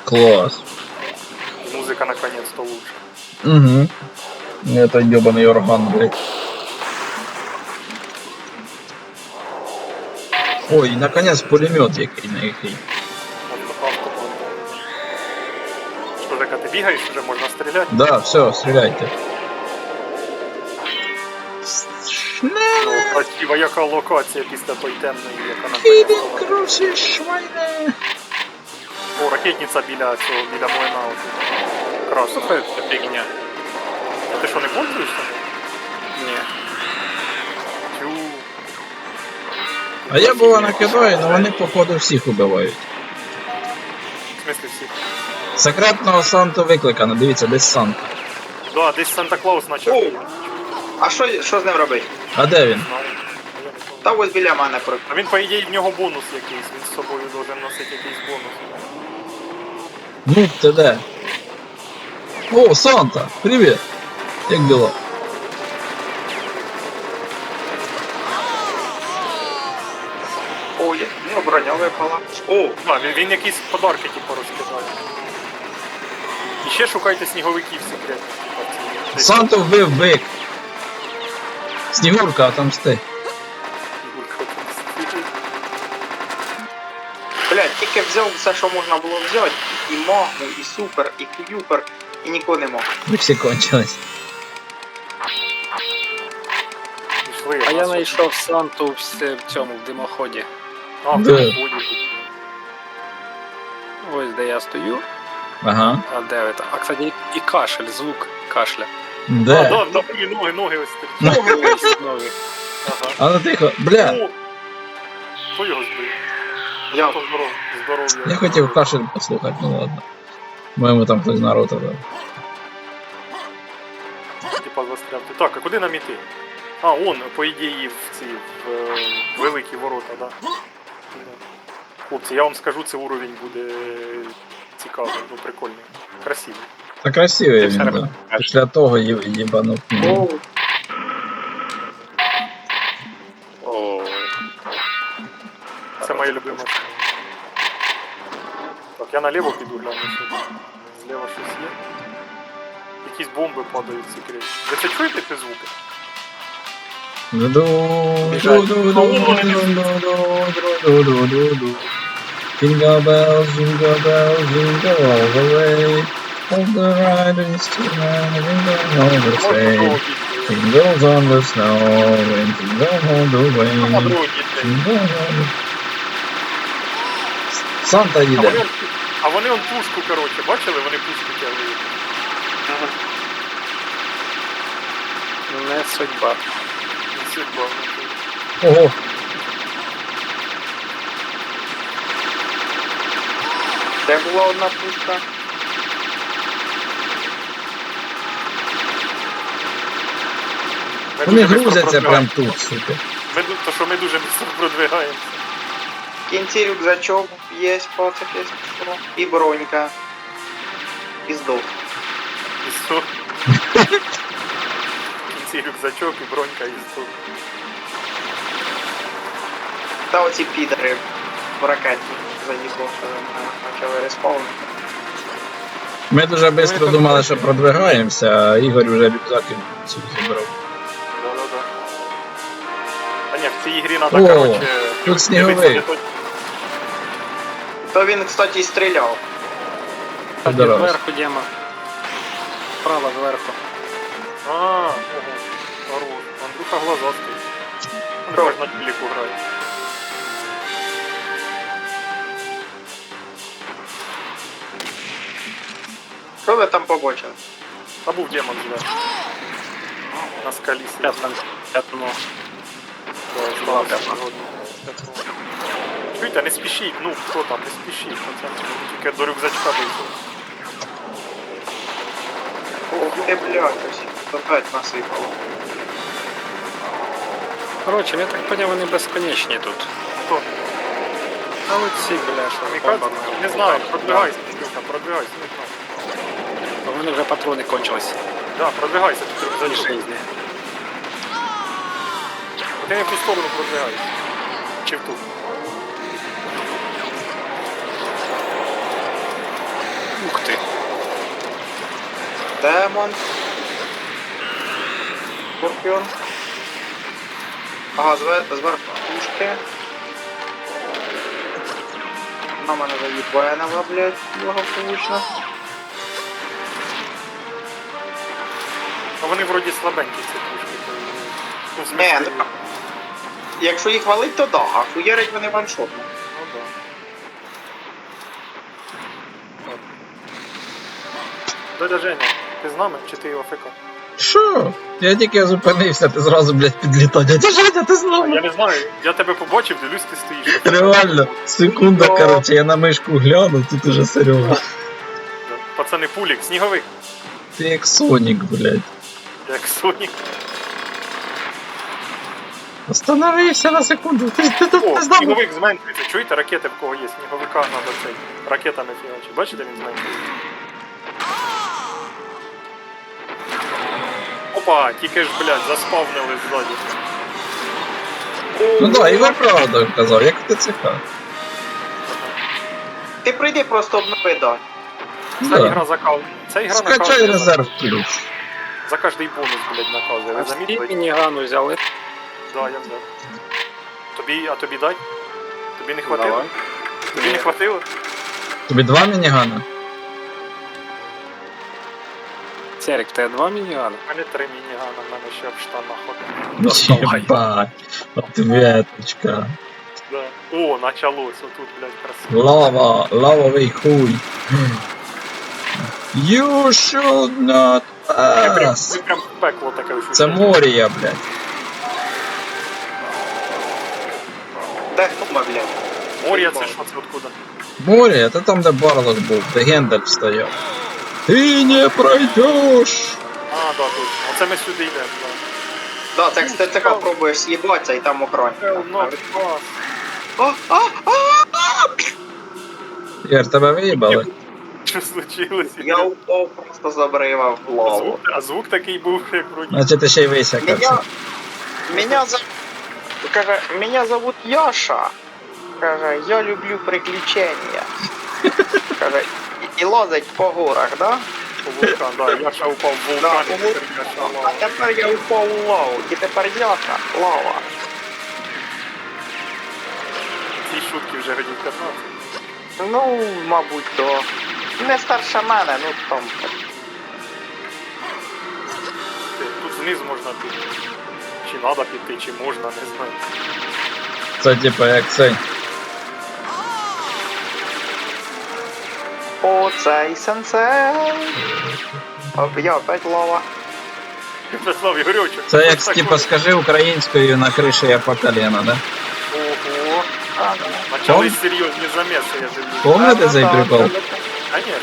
Класс. Музыка наконец-то лучше. Угу. Это ебаный орган, блядь. Ой, наконец пулемет який на який. Что, Жека, ты бегаешь, уже можно стрелять? Да, все, стреляйте. Ну, красива яка локація після той темної, яка нам Підем принесла. крусі швайне. О, ракетниця біля цього, біля млина. Красно. Слухай, це фігня. А ти що, не пользуєшся? Ні. Тю. А я була накидаю, але вони походу всіх убивають. В смислі всіх? Секретного Санту викликано, дивіться, десь Санта. Да, десь Санта-Клаус почав. О! А що з ним робити? А де він? Та ось біля мене А він, по ідеї, в нього бонус якийсь, він з собою должен носити якийсь бонус. Ну, ти де? О, Санта, привіт! Як дела? Ой, ну броня випала. О, А, він якісь подарки, типу, розкидає. І ще шукайте сніговиків секретних, типу, ці. Санту вбив бик. Снігурка, отомсти. блядь, тільки взяв все, що можна було взяти. І магму, і супер, і кюпер, і нікого не мог. Ви всі кончились. Пішли, А я нас знайшов Санту в цьому, в димоході. А, в Де? переході. Ось де я стою. Ага. А де ви там? А, кстати, і кашель, звук кашля. А, Де? да, ноги ось такі. Ось нові. Ага. А ну тихо, бля. О! Хто його збив? Я. То здоров'я. Я хотів кашель послухати, ну ладно. Моєму там хтось народ дав. Типа застрягти. Так, а куди нам іти? А, он, по ідеї, в ці великі ворота, да? Хлопці, я вам скажу, цей уровень буде цікавий, ну прикольний, красивий. Та красивий Ти він, все да. Після того їбанув. О, О, Це моя любима. Так, я наліво піду гляну сюди. Зліва щось є. Якісь бомби падають секретні. Ви це чуєте ці звуки? Jingle bells, jingle all the way. Hold the riders to jingle all the Можна way. другого дійти. Jingles on the snow and jingle all the Можна way. другого дійти. Jingle all the... Санта їде. А вони он пушку, коротше, бачили? Вони пушку тягли. не судьба. Судьба. Ого. де була одна пушка? Ми Вони дуже швидко грузяться прям продвигаємося. тут, сука. То, що ми дуже швидко продвигаємося. В кінці рюкзачок є, пацак є, і бронька. І здох. І все. В кінці рюкзачок і бронька і все. Та оці підери в ракеті заїхав, що почали респаунити. Ми дуже швидко думали, що продвигаємося, а Ігор вже рюкзаки всі забрав. Да-да-да. А ні, в цій ігрі треба, О, коротше... тут сніговий. То він, кстати, і стріляв. Здорово. Зверху Дема. Справа зверху. А, ого. Хорош. Андрюха глазастий. Андрюха ж на телеку грає. Що ви там побачили? Та був демон зверху. На скалі Я сидів. там п'ятно. Чуєте, не спішіть, ну хто там, не спішіть, пацани. Тільки до рюкзачка дійшов. Ох ти, блядь, ось опять насипало. Коротше, я так поняв, вони безконечні тут. Хто? А оці, бля, що Мікадзе? бомбами. Не знаю, продвигайся, Андрюха, продвигайся, не знаю. У мене вже патрони кончились. Да, продвигайся, тут Ні рюкзачок. жизни. Ти не в ту сторону продвигайся. Чи в ту? Ух ти. Демон. Скорпіон. Ага, зверху пушки. На мене заїбанила, блядь, благополучно. А вони вроді слабенькі, ці пушки. Ну, в Не, смислі, ну, якщо їх валить, то да, а хуярить вони ваншотно. ну да. Дядя Женя, ти з нами чи ти АФК? Що? Я тільки зупинився, ти зразу, блядь, підлітав. Дядя Женя, ти А, знову. я не знаю, я тебе побачив, дивлюсь, ти стоїш. Реально, секунда, короче, я на мишку гляну, тут уже Серега. Да. Пацани, пулік, сніговик, Ти як Сонік, блядь. як Сонік. Остановився на секунду. Ти тут О, не знав. сніговик зменшується. Чуєте, ракети в кого є? Сніговика надо цей. Ракетами фігачить. Бачите, він зменшується? Опа, тільки ж, блядь, заспавнили ззаді. Ну да, Ігор правду казав, як в ТЦК. Ти прийди просто обнови, да. Ця ігра Да. закал. Ця ігра Скачай наказує резерв ключ. за кожний бонус, блядь, наказує. Ви А всі замітили? мінігану взяли. Да, я взяв. Тобі, а тобі дай? Тобі не хватило? Давай. Тобі не хватило? Тобі 2 мінігана? Серик, в тебе 2 мінігани? У мене 3 мінігана, в мене ще в штанах один. Давай. Єбать. Ответочка. Да. О, началось, отут, блядь, красиво. Лава, лавовий хуй. You should not pass. Це прям пекло таке ощущення. Це Морія, блядь. Де хума, блядь? Моря це що, це откуда? Морія, це там, де Барлок був, де Гендальф стояв. Ти не пройдеш. А, да, точно. Оце ми сюди йдемо, да. Да, це з ТЦК пробуєш з'їбатися і там охоронник. Ну, клас. Ігор, тебе виїбали? Що случилось? Я упав, просто забривав в лаву. А звук такий був, як вроді. Значить, ти ще й висякався. Меня зовут Яша. Каже, я люблю приключения. Каже, і лазить по горах, да? Вулкан, да, Яша упав в Да, вулкан, і у тепер Яша А лава. тепер я упав у лаву, і тепер Яша, лава. Ці шутки вже годів 15. Ну, мабуть, то. Не старше мене, ну там. Тут вниз можна піти. Чи треба піти, чи можна, не знаю. Це типа як цей. Оцей сенсей. Я опять лава. Вячеслав Ігорьовичу. Це як так типа от. скажи українською на криші я по колено, да? Ого. А, Почались серйозні заміси, я дивлюсь. Помните цей прикол? Конечно.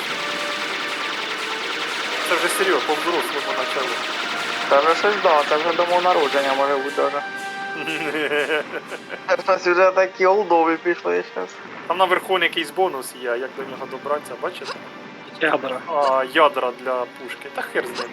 Це вже серйозно, по-взрослому почали. Це вже щось да, це вже до мого народження може бути даже. У нас вже такі олдові пішли зараз. Там наверху якийсь бонус є, як до нього добратися, бачите? Ядра. А, ядра для пушки. Та хер з ним.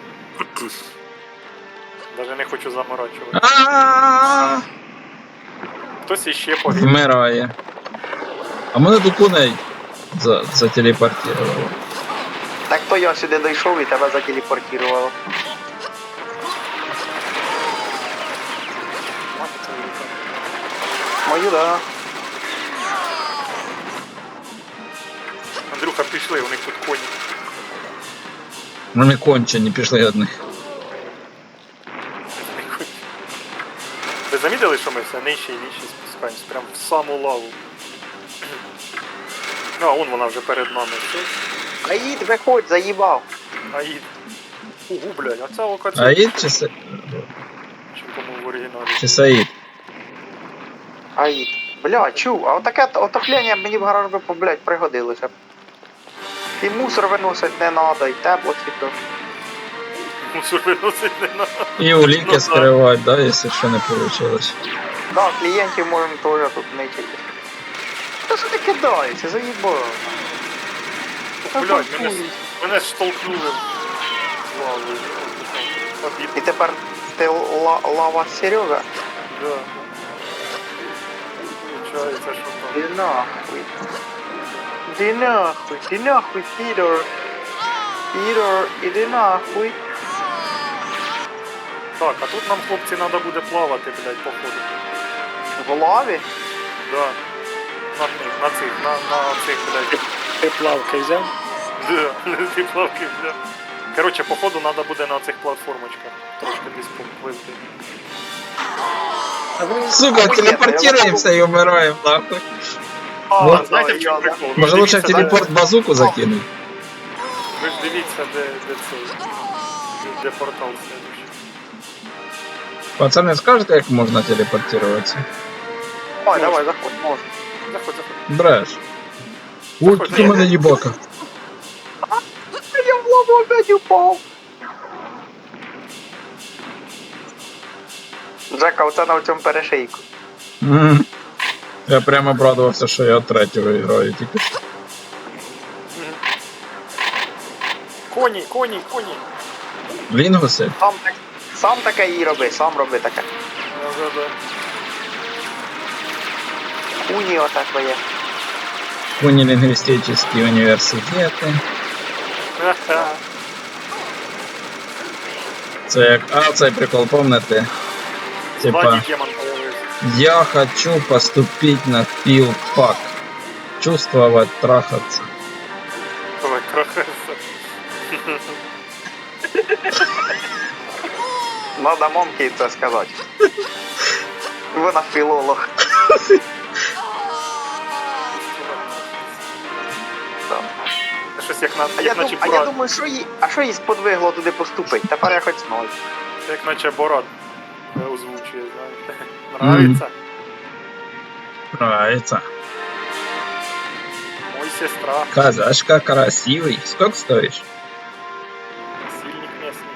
Даже не хочу заморачувати. А-а-а! Хтось іще погиб. Вмирає. А мене до коней зателепортувало. Так то я сюди дійшов і тебе зателепортувало. Мою, да. Андрюха, пішли, у них тут коні. Вони кончені, пішли одних. Ви замітили, що ми все нижче і нижче спускаємось? Прям в саму лаву. А, вон вона вже перед нами. Все. Аїд, виходь, заїбав. Аїд. Угу, блядь, а ця локація. Аїд Чи по-моєму в оригіналі? чи Саїд? Аїд. Бля, чув, а отаке отоплення мені в гараж би, блядь, пригодилося. І мусор виносить не надо, і тепло тільки. Мусор виносить не надо. І уліки скривати, да, якщо що не вийшло. Да, клієнтів можемо теж тут не тільки. Та що ти кидаєшся, заїбав. Блядь, мене ж штовхнули в лаву. І Обід. тепер ти лава Серега? Да. Получається, що там. Ди нахуй. Ди нахуй, Сідор. Ігор, іди нахуй. Так, а тут нам, хлопці, треба буде плавати, блядь, походу. В лаві? Да. На цих, блядь. Ти плавки взяв? Да, ті плавки, бля. Короче, походу треба буде на цих платформочках трошки десь попливти. Сука, телепортируемся и умираем, нахуй. А, знаєте, в чому прикол? Ви Може ж лучше в дивіться, телепорт базуку закинуть? Ви ж дивіться, де цей. Де портал следующий. Пацаны, скажете, як можна телепортироваться? Ой, давай, заходь, можна. Заходь. Бреш. Ой, тут у мене їбака. Я в лаву опять упав. Джека, оце на цьому перешийку. Мгм. Я прямо обрадувався, що я третього граю тільки що. Коні. Лінгуси? Сам таке і роби, сам роби таке. Да. Уні оце твоє. Унилингвистические університети. Ха-ха. Це як... А, цей прикол, помните? Типа, Владі демон появився. я хочу поступить на филфак. Чувствовать, трахаться. Ой, крахеса. Надо мамки це сказати. Вона філолог. Так. Щось як на А я думаю, що їй сподвигло туди поступити? Тепер я хоч знаю. як наче Борат озвучує, знаєте. Нравиться? Нравится. Мой сестра. Казашка красивый. Сколько стоишь? Сильник місний.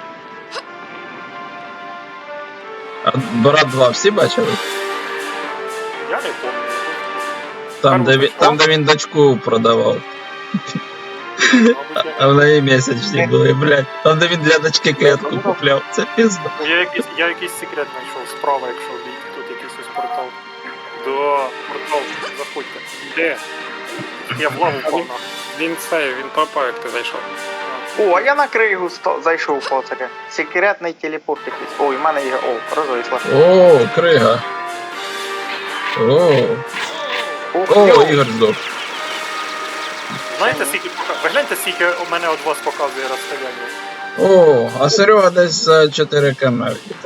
А Брат 2 всі бачили? Я не пам'ятаю. Там, де він дочку продавав. Мабуть, А в неї місячні були, блядь. Там, де він для дочки кетку купляв. Це пізно. Я якийсь секрет знайшов. Справа, якщо обійти, тут якийсь ось портал. Да, портал, заходьте. Де? Я в лаву впав на. Він пропав, як ти зайшов. О, а я на кригу зайшов по таке. Секретний телепорт якийсь. Ой, в мене є. О, розвисла. О, крига. О, Йоу. Ігор здох. Знаєте, скільки ви гляньте, скільки у мене від вас показує розстояння. О, а Серега десь за 4 км.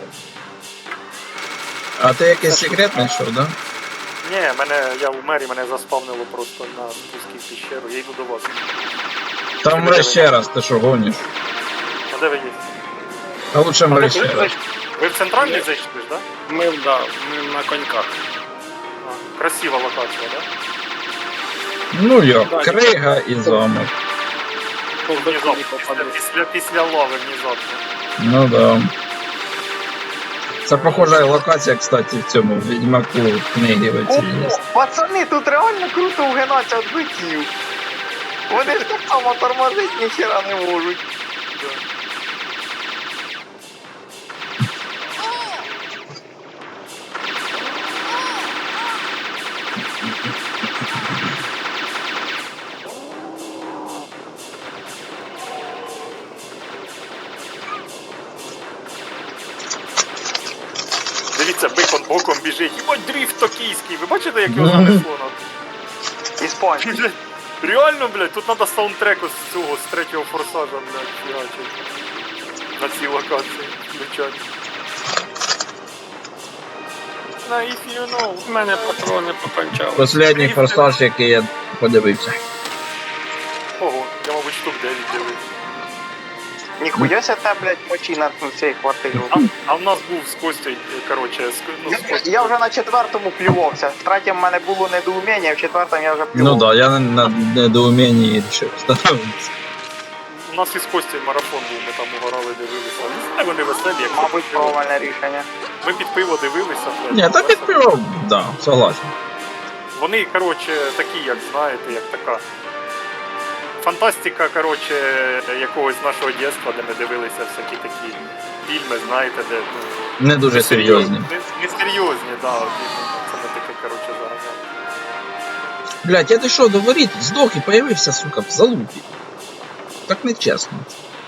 А ти якийсь секрет знайшов, да? Ні, я в мері, мене заспавнило просто на спускі в піщеру. Я йду до вас. Там мре ще раз, ти що гониш? А де ви є? А лучше мре ще раз. Ви в центральний зайшли ж, так? Ми на коньках. А, красива локація, так? Ну йо, крига і замок. Внезапно, після лави внезапно. Ну да. Це похожа локація, кстати, в цьому Відьмаку книги в цій є. О, пацани, тут реально круто вгинаться від биків. Вони ж так само тормозить ніхера не можуть. Дивіться, бикон боком біжить. Ой, дріфт токійський. Ви бачите, як його занесло? Іспанці. Реально, блядь, тут треба саундтрек з цього, з третього форсажа, блядь, фігачить. На цій локації включати. На if you know. У мене патрони покончали. Последній форсаж, який я подивився. Ого, я, мабуть, штук 9 дивився. Ніхуя ся те, блядь, мочі на цій квартирі. А в нас був з Костю, коротше, з Костю. Я вже на четвертому плювався. В третьому в мене було недоуміння, в четвертому я вже плював. Ну да, я на недоумінні вирішив встановитися. У нас із Костю марафон був, ми там угорали, дивилися. Не знаю, вони веселі, як Мабуть, під пиво. правильне рішення. Ми під пиво дивилися. блядь, Ні, та весело. підпівав, да, согласен. Вони, коротше, такі, як знаєте, як така фантастика, коротше, якогось нашого дитинства, де ми дивилися всякі такі фільми, знаєте, де ну, Не дуже серйозні. Не серйозні, да, це ми таке, коротше, заганяли. Блять, я дійшов до воріт, здох і появився, сука, в залупі. Так нечесно.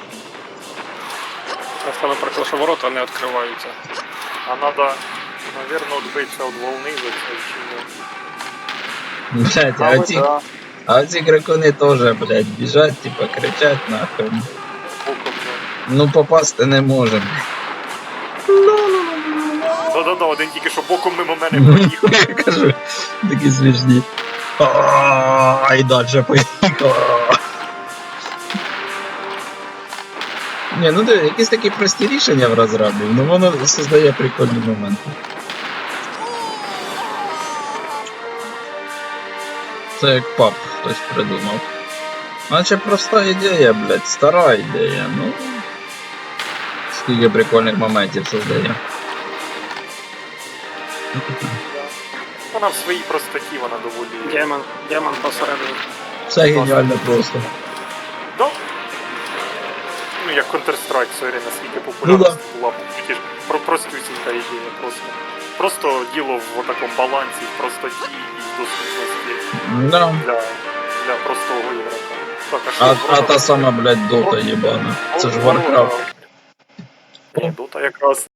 Я саме про те, що ворота не відкриваються. А надо, наверное, отбиться от волны за це чи ні. Блять, а оці дракони теж, блять, біжать, типа кричать нахуй. Боком, да. Ну попасти не можемо. Да-да-да, один тільки що боком мимо мене проїхав. Я кажу, такі смішні. А, і далі поїхав. Ні, ну диви, якісь такі прості рішення в розробі, ну воно создає прикольні моменти. Це як пап хтось придумав. Наче проста ідея, блядь, стара ідея, ну. Скільки прикольних моментів создає. Вона в своїй простоті, вона доволі... Демон посередині. Все геніально просто. Да. Ну, як Counter-Strike, сорі, наскільки популярність була. Тільки ж простюсінька ідея просто. Просто діло в такому балансі, в простоті і в доступності Да. для простого ігрока. Так, А що, та сама, блядь, дота єбана. Це ж Warcraft. Ні, Дота якраз